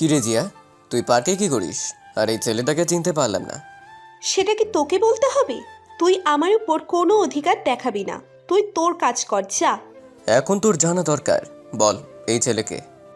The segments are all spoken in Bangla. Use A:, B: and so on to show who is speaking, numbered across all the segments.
A: কিরে জিয়া, তুই পার্কে কি করিস? আর এই ছেলেটাকে চিনতে পারলাম না।
B: সেটা কি তোকে বলতে হবে? তুই আমার উপর কোনো অধিকার দেখাবি না। তুই তোর কাজ কর, যা।
A: এখন তোর জানা দরকার। বল, এই ছেলেকে।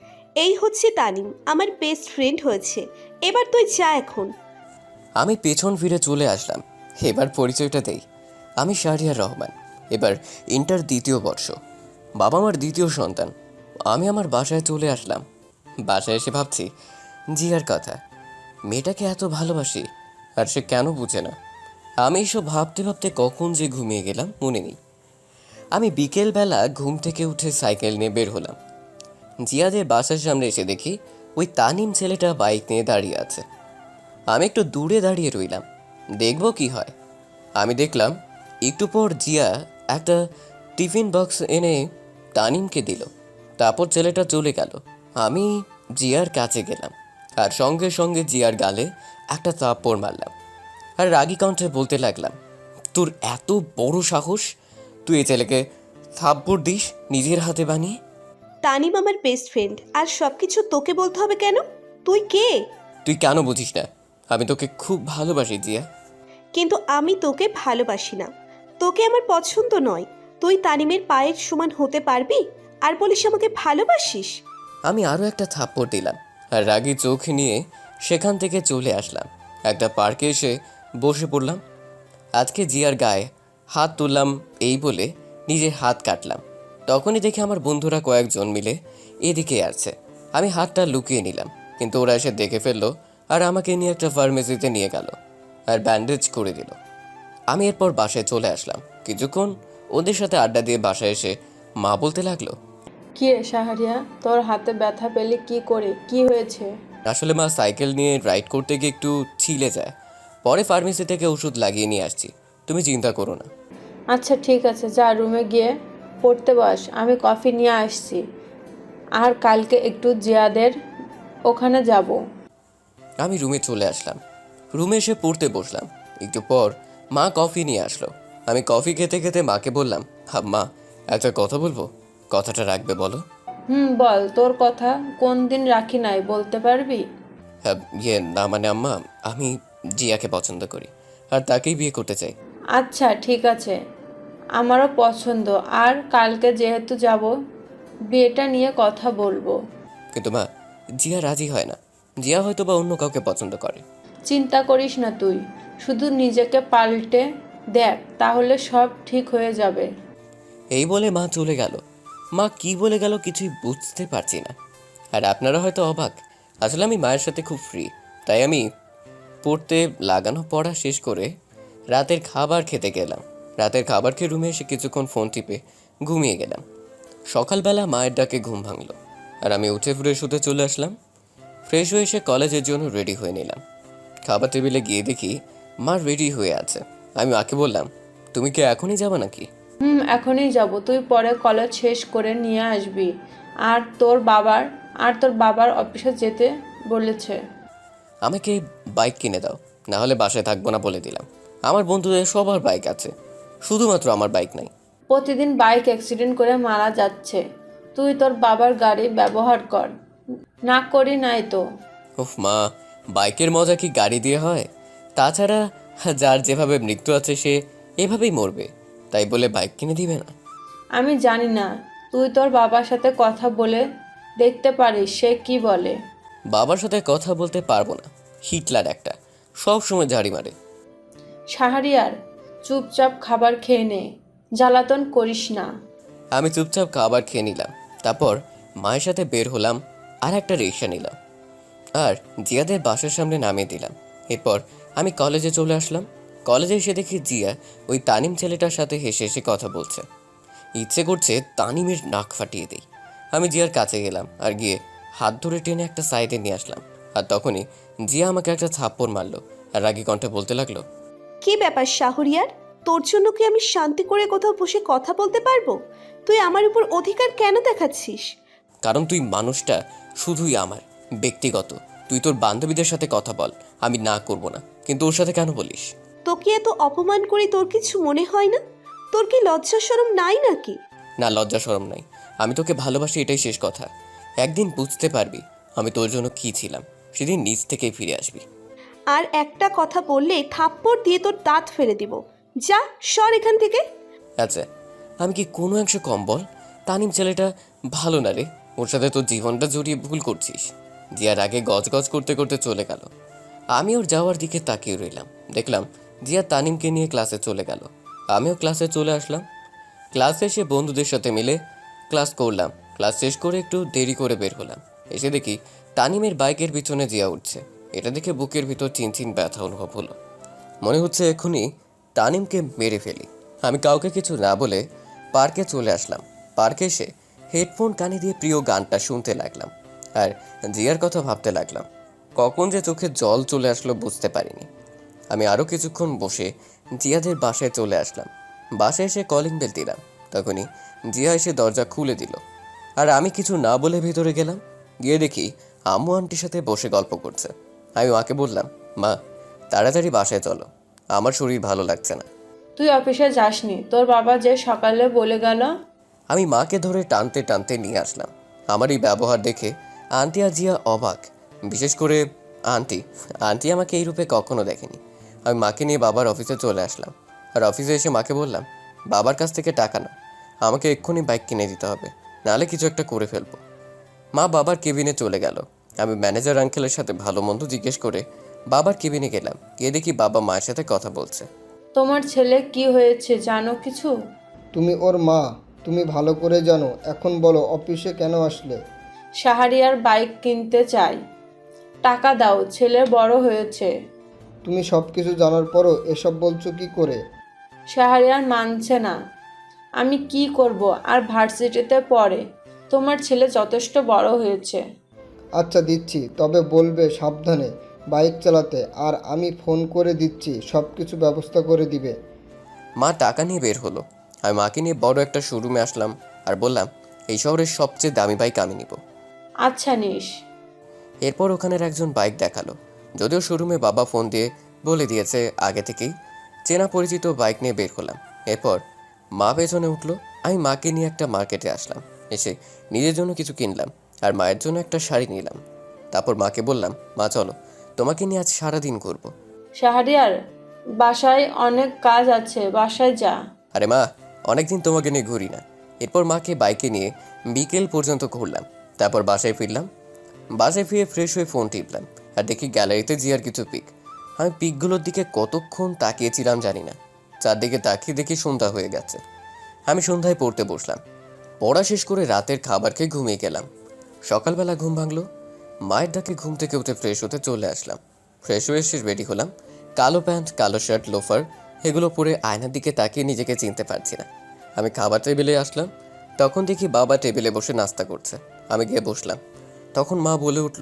B: এই হচ্ছে তানিম, আমার বেস্ট ফ্রেন্ড হয়েছে। এবার তুই যা এখন।
A: আমি পেছন ফিরে চলে আসলাম। এবার পরিচয়টা দেই। আমি শাহরিয়ার রহমান। এবার ইন্টার দ্বিতীয় বর্ষ। বাবা মার দ্বিতীয় সন্তান। আমি আমার বাসায় চলে আসলাম। বাসায় এসে ভাবছি জিয়ার কথা। মেয়েটাকে এত ভালোবাসি, আর সে কেন বুঝে না। আমি এসব ভাবতে ভাবতে কখন যে ঘুমিয়ে গেলাম মনে নেই। আমি বিকেলবেলা ঘুম থেকে উঠে সাইকেল নিয়ে বের হলাম। জিয়াদের বাসার সামনে এসে দেখি ওই তানিম ছেলেটা বাইক নিয়ে দাঁড়িয়ে আছে। আমি একটু দূরে দাঁড়িয়ে রইলাম, দেখব কি হয়। আমি দেখলাম একটু পর জিয়া একটা টিফিন বক্স এনে তানিমকে দিল। তারপর ছেলেটা চলে গেল। আমি জিয়ার কাছে গেলাম আর সঙ্গে সঙ্গে জিয়ার গালে একটা থাপ্পড় মারলাম। আর রাগী কণ্ঠে বলতে লাগলাম, তোর এত বড় সাহস, তুই এই ছেলেকে থাপ্পড় দিস নিজের হাতে বানিয়ে?
B: তানিম আমার বেস্ট ফ্রেন্ড, আর সব কিছু তোকে বলতে হবে কেন? তুই কে?
A: তুই কেন বুঝিস না? আমি তোকে খুব ভালোবাসি জিয়া।
B: কিন্তু আমি তোকে ভালোবাসি না। তোকে আমার পছন্দ নয়। তুই তানিমের পায়ের সমান হতে পারবি আর বলিস আমাকে ভালোবাসিস?
A: আমি আরও একটা থাপ্পড় দিলাম আর রাগী চোখ নিয়ে সেখান থেকে চলে আসলাম। একটা পার্কে এসে বসে পড়লাম। আজকে জিয়ার গায়ে হাত তুললাম এই বলে নিজের হাত কাটলাম। তখনই দেখি আমার বন্ধুরা কয়েকজন মিলে এদিকে আসছে। আমি হাতটা লুকিয়ে নিলাম, কিন্তু ওরা এসে দেখে ফেললো আর আমাকে নিয়ে একটা ফার্মেসিতে নিয়ে গেল আর ব্যান্ডেজ করে দিল। আমি এরপর বাসায় চলে আসলাম। কিছুক্ষণ ওদের সাথে আড্ডা দিয়ে বাসায় এসে মা বলতে লাগলো,
C: কি রে শাহরিয়া, তোর হাতে ব্যথা পেলে কি করে, কি হয়েছে?
A: আসলে মা সাইকেল নিয়ে রাইড করতে গিয়ে একটু ছিলে যায়, পরে ফার্মেসি থেকে ওষুধ লাগিয়ে নিয়ে আসছি, তুমি চিন্তা করো না।
C: আচ্ছা ঠিক আছে, যা রুমে গিয়ে পড়তে বস, আমি কফি নিয়ে আসছি। আর কালকে একটু জিয়াদের ওখানে যাব।
A: আমি রুমে চলে আসলাম। রুমে এসে পড়তে বসলাম। একটু পর মা কফি নিয়ে আসলো। আমি কফি খেতে খেতে মাকে বললাম, মা, একটা কথা বলবো, কথাটা রাখবে বলো?
C: বল, তোর কথা কোন দিন রাখি নাই, বলতে পারবি?
A: হ্যাঁ, না মানে আম্মা, আমি জিয়াকে পছন্দ করি আর তাকেই বিয়ে করতে চাই।
C: আচ্ছা ঠিক আছে, আমারও পছন্দ। আর কালকে যেহেতু যাব, বিয়েটা নিয়ে কথা বলবো।
A: কিন্তু মা, জিয়া রাজি হয় না। জিয়া হয়তো বা অন্য কাউকে পছন্দ করে।
C: চিন্তা করিস না তুই, শুধু নিজেকে পাল্টে দেখ, তাহলে সব ঠিক হয়ে যাবে।
A: এই বলে মা চলে গেল। মা কি বলে গেল কিছুই বুঝতে পারছি না। আর আপনারা হয়তো অবাক, আসলে আমি মায়ের সাথে খুব ফ্রি। তাই আমি পড়তে লাগানো পড়া শেষ করে রাতের খাবার খেতে গেলাম। রাতের খাবার খেয়ে রুমে এসে কিছুক্ষণ ফোন টিপে ঘুমিয়ে গেলাম। সকালবেলা মায়ের ডাকে ঘুম ভাঙলো আর আমি উঠে ফ্রেশ হতে চলে আসলাম। ফ্রেশ হয়ে এসে কলেজের জন্য রেডি হয়ে নিলাম। খাবার টেবিলে গিয়ে দেখি মা রেডি হয়ে আছে। আমি মাকে বললাম, তুমি কি এখনই যাবে নাকি?
C: এখনই যাব, তুই পরে কলেজ শেষ করে নিয়ে আসবি। আর তোর বাবার অফিসে যেতে বলেছে।
A: আমাকে বাইক কিনে দাও, না হলে বাসায় থাকবো না বলে দিলাম। আমার বন্ধুদের সবার বাইক আছে, শুধুমাত্র আমার বাইক নাই।
C: প্রতিদিন বাইক অ্যাক্সিডেন্ট করে মারা যাচ্ছে, তুই তোর বাবার গাড়ি ব্যবহার কর। না করি নাই তো।
A: উফ মা, বাইকের মজা কি গাড়ি দিয়ে হয়? তাছাড়া যার যেভাবে মৃত্যু আছে সে এভাবেই মরবে, তাই বলে বাইক কিনে দিবে না?
C: আমি জানি না, তুই তোর বাবার সাথে কথা বলে দেখতে পারিস সে কি বলে।
A: বাবার সাথে কথা বলতে পারবো না, হিটলার একটা, সব সময় ঝাড়ি মারে।
C: শাহরিয়ার, চুপচাপ খাবার খেয়ে নে, জ্বালাতন করিস না।
A: আমি চুপচাপ খাবার খেয়ে নিলাম। তারপর মায়ের সাথে বের হলাম আর একটা রিক্সা নিলাম আর জিয়াদের বাসার সামনে নামিয়ে দিলাম। এরপর আমি কলেজে চলে আসলাম। কলেজে এসে দেখি জিয়া ওই তানিম ছেলেটার সাথে হেসে হেসে কথা বলছে। ইচ্ছে করছে তানিমের নাক ফাটিয়ে দিই। আমি জিয়ার কাছে গেলাম আর গিয়ে হাত ধরে টেনে একটা সাইডে নিয়ে আসলাম। আর তখনই জিয়া আমাকে একটা থাপ্পড় মারলো আর রাগী কণ্ঠে বলতে লাগলো,
B: কি ব্যাপার শাহরিয়ার? তোর জন্য কি আমি শান্তি করে কোথাও বসে কথা বলতে পারবো? তুই আমার উপর অধিকার কেন দেখাচ্ছিস?
A: কারণ তুই মানুষটা শুধুই আমার ব্যক্তিগত। তুই তোর বান্ধবীদের সাথে কথা বল, আমি না করব না, কিন্তু ওর সাথে কেন বলিস?
B: তোকে এত অপমান করে তোর কিছু মনে হয় না? তোর কি লজ্জা শরম নাই নাকি?
A: না, লজ্জা শরম নাই। আমি তোকে ভালোবাসি, এটাই শেষ কথা। একদিন বুঝতে পারবি আমি তোর জন্য কি ছিলাম সেদিন নিজ থেকেই ফিরে আসবি।
B: আর একটা কথা বললে থাপ্পড় দিয়ে তোর দাঁত ফেলে দিব। যা, সর এখান থেকে।
A: আচ্ছা, আমি কি কোনো অংশ কম বল? তানিম ছেলেটা ভালো না রে, ওর সাথে তোর জীবনটা জড়িয়ে ভুল করছিস। জিয়ার আগে গজগজ করতে করতে চলে গেল। আমি ওর যাওয়ার দিকে তাকিয়ে রইলাম। দেখলাম জিয়া তানিমকে নিয়ে ক্লাসে চলে গেল। আমিও ক্লাসে চলে আসলাম। ক্লাসে এসে বন্ধুদের সাথে মিলে ক্লাস করলাম। ক্লাস শেষ করে একটু দেরি করে বের হলাম। এসে দেখি তানিমের বাইকের পিছনে জিয়া উঠছে। এটা দেখে বুকের ভিতর চিনচিন ব্যথা অনুভব হলো। মনে হচ্ছে এখনই তানিমকে মেরে ফেলি। আমি কাউকে কিছু না বলে পার্কে চলে আসলাম। পার্কে এসে হেডফোন কানে দিয়ে প্রিয় গানটা শুনতে লাগলাম আর জিয়ার কথা ভাবতে লাগলাম। কখন যে চোখে জল চলে আসলো বুঝতে পারিনি। আমি আরও কিছুক্ষণ বসে জিয়াদের বাসায় চলে আসলাম। বাসায় এসে কলিং বেল দিলাম। তখনই জিয়া এসে দরজা খুলে দিল আর আমি কিছু না বলে ভিতরে গেলাম। গিয়ে দেখি আম্মু আন্টির সাথে বসে গল্প করছে। আমি মাকে বললাম, মা তাড়াতাড়ি বাসায় চলো, আমার শরীর ভালো লাগছে না।
C: তুই অফিসে যাসনি? তোর বাবা যে সকালে বলে গেল।
A: আমি মাকে ধরে টানতে টানতে নিয়ে আসলাম। আমার এই ব্যবহার দেখে আন্টি আর জিয়া অবাক। বিশেষ করে আন্টি আন্টি আমাকে এই রূপে কখনো দেখেনি। আমি মাকে নিয়ে বাবার অফিসে চলে আসলাম আর অফিসে এসে মাকে বললাম, বাবার কাছ থেকে টাকা নাও, আমাকে এক্ষুনি বাইক কিনে দিতে হবে, নাহলে কিছু একটা করে ফেলবো। মা বাবার কেবিনে চলে গেল। আমি ম্যানেজার আঙ্কেলের সাথে ভালো মন্দ জিজ্ঞেস করে বাবার কেবিনে গেলাম। গিয়ে দেখি বাবা মায়ের সাথে কথা বলছে।
C: তোমার ছেলে কি হয়েছে জানো কিছু?
D: তুমি ওর মা, তুমি ভালো করে জানো। এখন বলো, অফিসে কেন আসলে?
C: শাহরিয়ার বাইক কিনতে চাই, টাকা দাও, ছেলে বড় হয়েছে।
D: তুমি সব কিছু জানার পরও এসব বলছো কি করে?
C: শাহরিয়ার মানছে না। আমি কি করব, আর ভার্সিটিতে পড়ে। তোমার ছেলে যথেষ্ট বড় হয়েছে।
D: আচ্ছা দিচ্ছি, তবে বলবে সাবধানে বাইক চালাতে। আর আমি ফোন করে দিচ্ছি, সব কিছু ব্যবস্থা করে দিবে।
A: মা টাকা নিয়ে বের হলো। আমি মাকে নিয়ে বড় একটা শোরুমে আসলাম আর বললাম, এই শহরের সবচেয়ে দামি বাইক আমি নিব।
C: আচ্ছা নিস।
A: এরপর ওখানের একজন বাইক দেখালো। যদিও শোরুমে বাবা ফোন দিয়ে বলে দিয়েছে আগে থেকেই, চেনা পরিচিত বাইক নিয়ে বের হলাম। এরপর মা পেছনে উঠলো। আমি মাকে নিয়ে একটা মার্কেটে আসলাম। এসে নিজের জন্য কিছু কিনলাম আর মায়ের জন্য একটা শাড়ি নিলাম। তারপর মাকে বললাম, মা চলো, তোমাকে নিয়ে আজ সারাদিন ঘুরবো।
C: শাহরিয়ার, বাসায় অনেক কাজ আছে, বাসায় যা।
A: আরে মা, অনেকদিন তোমাকে নিয়ে ঘুরি না। এরপর মাকে বাইকে নিয়ে বিকেল পর্যন্ত ঘুরলাম। তারপর বাসায় ফিরলাম। বাসায় ফিরে ফ্রেশ হয়ে ফোন টিপলাম আর দেখি গ্যালারিতে জিয়ার কিছু পিক। আমি পিকগুলোর দিকে কতক্ষণ তাকিয়েছিলাম জানি না। চারদিকে তাকিয়ে দেখি সন্ধ্যা হয়ে গেছে। আমি সন্ধ্যায় পড়তে বসলাম। পড়া শেষ করে রাতের খাবার খেয়ে ঘুমিয়ে গেলাম। সকালবেলা ঘুম ভাঙলো। মায়ের ডাকে ঘুম থেকে উঠে ফ্রেশ হতে চলে আসলাম। ফ্রেশ হয়ে এসে রেডি হলাম। কালো প্যান্ট, কালো শার্ট, লোফার এগুলো পরে আয়নার দিকে তাকিয়ে নিজেকে চিনতে পারছি না। আমি খাবার টেবিলে আসলাম। তখন দেখি বাবা টেবিলে বসে নাস্তা করছে। আমি গিয়ে বসলাম। তখন মা বলে উঠল,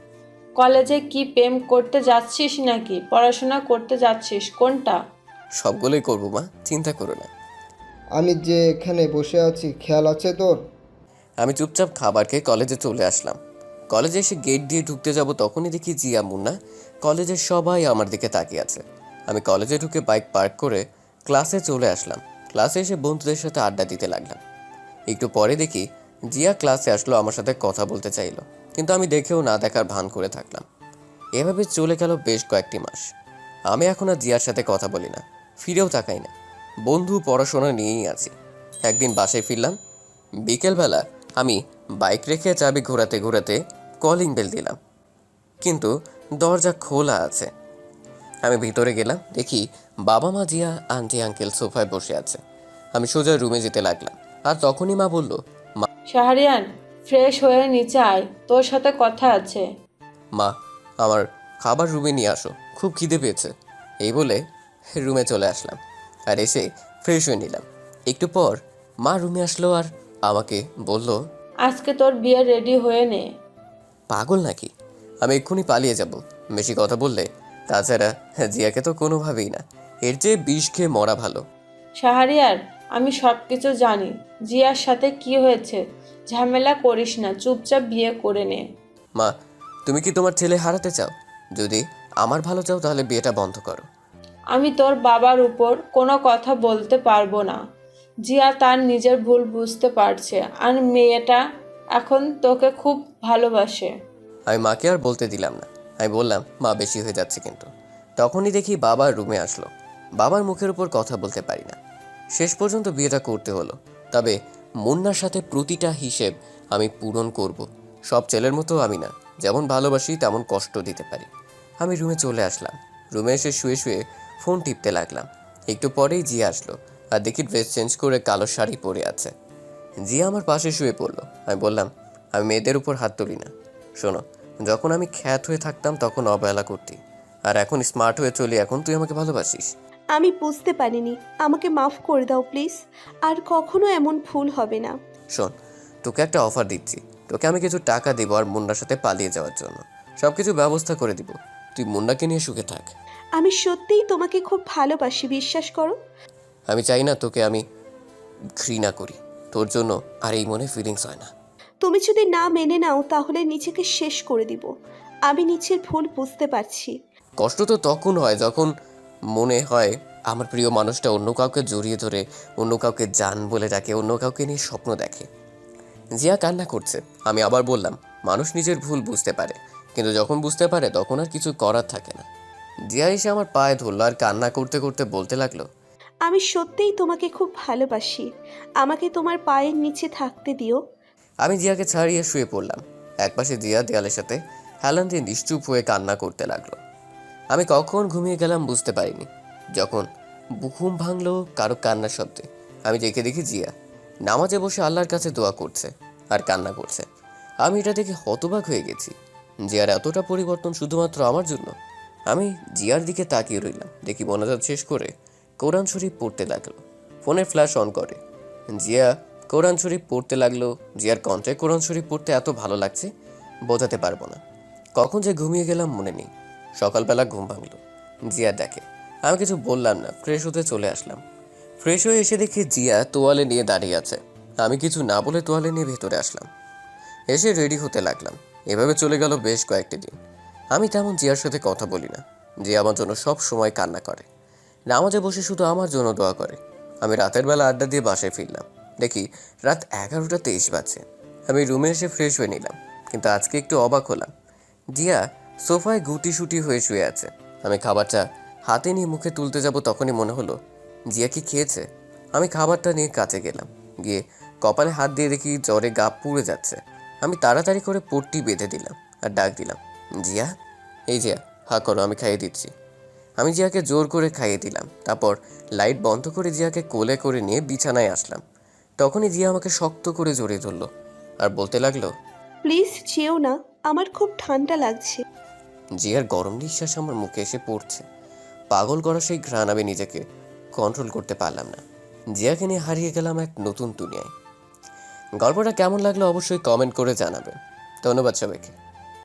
C: কলেজে কি প্রেম করতে যাচ্ছিস নাকি পড়াশোনা করতে যাচ্ছিস, কোনটা?
A: সবগুলোই করবো মা, চিন্তা করো না।
D: আমি যে এখানে বসে আছি, খেয়াল আছে তোর?
A: আমি চুপচাপ খাবার খেয়ে কলেজে চলে আসলাম। কলেজে এসে গেট দিয়ে ঢুকতে যাব তখনই দেখি জিয়া, মুন্না, কলেজের সবাই আমার দিকে তাকিয়ে আছে। আমি কলেজে ঢুকে বাইক পার্ক করে ক্লাসে চলে আসলাম। ক্লাসে এসে বন্ধুদের সাথে আড্ডা দিতে লাগলাম। একটু পরে দেখি জিয়া ক্লাসে আসলো, আমার সাথে কথা বলতে চাইলো, কিন্তু আমি দেখেও না দেখার ভান করে থাকলাম। এভাবে চলে গেল বেশ কয়েকটি মাস। আমি এখন আর জিয়ার সাথে কথা বলি না, ফিরেও তাকাই না। বন্ধু পড়াশোনা নিয়েই আছি। একদিন বাসায় ফিরলাম। বিকেলবেলা আমি বাইক রেখে চাবি ঘোরাতে ঘোরাতে কলিং বেল দিলাম, কিন্তু দরজা খোলা আছে। আমি ভিতরে গেলাম। দেখি বাবা, মা, জিয়া, আন্টি, আঙ্কেল সোফায় বসে আছে। আমি সোজা রুমে যেতে লাগলাম আর তখনই মা বলল,
C: শাহরিয়ার, ফ্রেশ হয়ে নিচে আয়, তোর সাথে কথা আছে।
A: মা আমার খাবার রুমে নিয়ে আসো, খুব খিদে পেয়েছে। এই বলে রুমে চলে আসলাম আর এসে ফ্রেশ হয়ে নিলাম। একটু পর মা রুমে আসলো আর আমাকে বলল,
C: আজকে তোর বিয়ে রেডি হয়ে নে।
A: পাগল নাকি? আমি এক্ষুনি পালিয়ে যাব বেশি কথা বললে। তাছাড়া জিয়াকে তো কোনোভাবেই না, এর চেয়ে বিষ খেয়ে মরা ভালো।
C: শাহরিয়ার, আমি সব কিছু জানি। জিয়ার সাথে কি হয়েছে, ঝামেলা করিস না, চুপচাপ বিয়ে করে নে।
A: মা, তুমি কি তোমার ছেলে হারাতে চাও? যদি আমার ভালো চাও তাহলে বিয়েটা বন্ধ করো।
C: আমি তোর বাবার উপর কোনো কথা বলতে পারবো না। জিয়া তার নিজের ভুল বুঝতে পারছে আর মেয়েটা এখন তোকে খুব ভালোবাসে।
A: আমি মাকে আর বলতে দিলাম না। আমি বললাম, মা বেশি হয়ে যাচ্ছে কিন্তু। তখনই দেখি বাবা রুমে আসলো। বাবার মুখের উপর কথা বলতে পারি না। শেষ পর্যন্ত বিয়েটা করতে হলো। তবে মুন্নার সাথে প্রতিটা হিসেব আমি পূরণ করব। সব ছেলের মতো আমি না, যেমন ভালোবাসি তেমন কষ্ট দিতে পারি। আমি রুমে চলে আসলাম। রুমে এসে শুয়ে শুয়ে ফোন টিপতে লাগলাম। একটু পরেই জিয়া আসলো আর দেখি ড্রেস চেঞ্জ করে কালো শাড়ি পরে আছে। জিয়া আমার পাশে শুয়ে পড়লো। আমি বললাম, আমি মেয়েদের উপর হাত তুলি না। শোনো, যখন আমি খ্যাত হয়ে থাকতাম তখন অবহেলা করতি, আর এখন স্মার্ট হয়ে চলি, এখন তুই আমাকে ভালোবাসিস।
B: আমি বুঝতে পারিনি, আমাকে মাফ করে দাও প্লিজ। আর কখনো এমন ভুল হবে না।
A: শোন, তোকে একটা অফার দিচ্ছি। তোকে আমি কিছু টাকা দেবো আর মুন্নার সাথে পালিয়ে যাওয়ার জন্য। সব কিছু ব্যবস্থা করে দিব। তুই মুন্নাকে নিয়ে সুখে থাক।
B: আমি সত্যিই তোমাকে খুব ভালোবাসি, বিশ্বাস করো।
A: আমি চাই না তোকে আমি ঘৃণা করি। তোর জন্য আর এই মনে ফিলিংস হয় না।
B: তুমি যদি না মেনে নাও তাহলে নিজেকে শেষ করে দিব। আমি নিচের ভুল বুঝতে পারছি।
A: কষ্ট তো তখন হয় যখন মনে হয় আমার প্রিয় মানুষটা অন্য কাউকে জড়িয়ে ধরে, অন্য কাউকে জান বলে ডাকে, অন্য কাউকে নিয়ে স্বপ্ন দেখে। জিয়া কান্না করছে। আমি আবার বললাম, মানুষ নিজের ভুল বুঝতে পারে, কিন্তু যখন বুঝতে পারে তখন আর কিছু করার থাকে না। জিয়া এসে আমার পায়ে ধরলো আর কান্না করতে করতে বলতে লাগলো,
B: আমি সত্যিই তোমাকে খুব ভালোবাসি। আমাকে তোমার পায়ের নিচে থাকতে দিও।
A: আমি জিয়াকে ছাড়িয়ে শুয়ে পড়লাম। একপাশে জিয়া দেয়ালের সাথে হেলান দিয়ে নিশ্চুপ হয়ে কান্না করতে লাগলো। আমি কখন ঘুমিয়ে গেলাম বুঝতে পারিনি। যখন ঘুম ভাঙলো কারো কান্নার শব্দে, আমি দেখি জিয়া নামাজে বসে আল্লাহর কাছে দোয়া করছে আর কান্না করছে। আমি এটা দেখে হতবাক হয়ে গেছি। জিয়ার এতটা পরিবর্তন শুধুমাত্র আমার জন্য। আমি জিয়ার দিকে তাকিয়ে রইলাম। দেখি মোনাজাত শেষ করে কোরআন শরীফ পড়তে লাগলো। ফোনের ফ্ল্যাশ অন করে জিয়া কোরআন শরীফ পড়তে লাগলো। জিয়ার কণ্ঠে কোরআন শরীফ পড়তে এত ভালো লাগছে বোঝাতে পারবো না। কখন যে ঘুমিয়ে গেলাম মনে নেই। সকালবেলা ঘুম ভাঙলো, জিয়া দেখে। আমি কিছু বললাম না, ফ্রেশ হতে চলে আসলাম। ফ্রেশ হয়ে এসে দেখি জিয়া তোয়ালে নিয়ে দাঁড়িয়ে আছে। আমি কিছু না বলে তোয়ালে নিয়ে ভেতরে আসলাম। এসে রেডি হতে লাগলাম। এভাবে চলে গেল বেশ কয়েকটি দিন। আমি তেমন জিয়ার সাথে কথা বলি না। জিয়া আমার জন্য সব সময় কান্না করে, নামাজে বসে শুধু আমার জন্য দোয়া করে। আমি রাতের বেলা আড্ডা দিয়ে বাসায় ফিরলাম। দেখি রাত 11:23 বাজছে। আমি রুমে এসে ফ্রেশ হয়ে নিলাম, কিন্তু আজকে একটু অবাক হলাম। জিয়া সোফায় গুটি হয়ে শুয়ে আছে। আমি খাবারটা হাতে নিয়ে মুখে তুলতে যাব, তখনই মনে হলো জিয়া কি খেয়েছে। আমি খাবারটা নিয়ে কাছে গেলাম। গিয়ে কপালে হাত দিয়ে দেখি জ্বরে গা পুড়ে যাচ্ছে। আমি তাড়াতাড়ি করে পট্টি বেঁধে দিলাম আর ডাক দিলাম, জিয়া, এই জিয়া, হা করো, আমি খাইয়ে দিচ্ছি। আমি জিয়াকে জোর করে খাইয়ে দিলাম। তারপর লাইট বন্ধ করে জিয়াকে কোলে করে নিয়ে বিছানায় আসলাম। তখনই জিয়া আমাকে শক্ত করে জড়িয়ে ধরলো আর বলতে লাগলো,
B: প্লিজ যেও না, আমার খুব ঠান্ডা লাগছে।
A: জিয়ার গরম নিঃশ্বাস আমার মুখে এসে পড়ছে। পাগল করা সেই ঘ্রাণ আমি নিজেকে কন্ট্রোল করতে পারলাম না। জিয়াকে নিয়ে হারিয়ে গেলাম এক নতুন দুনিয়ায়। গল্পটা কেমন লাগলো অবশ্যই কমেন্ট করে জানাবেন। ধন্যবাদ সবাইকে।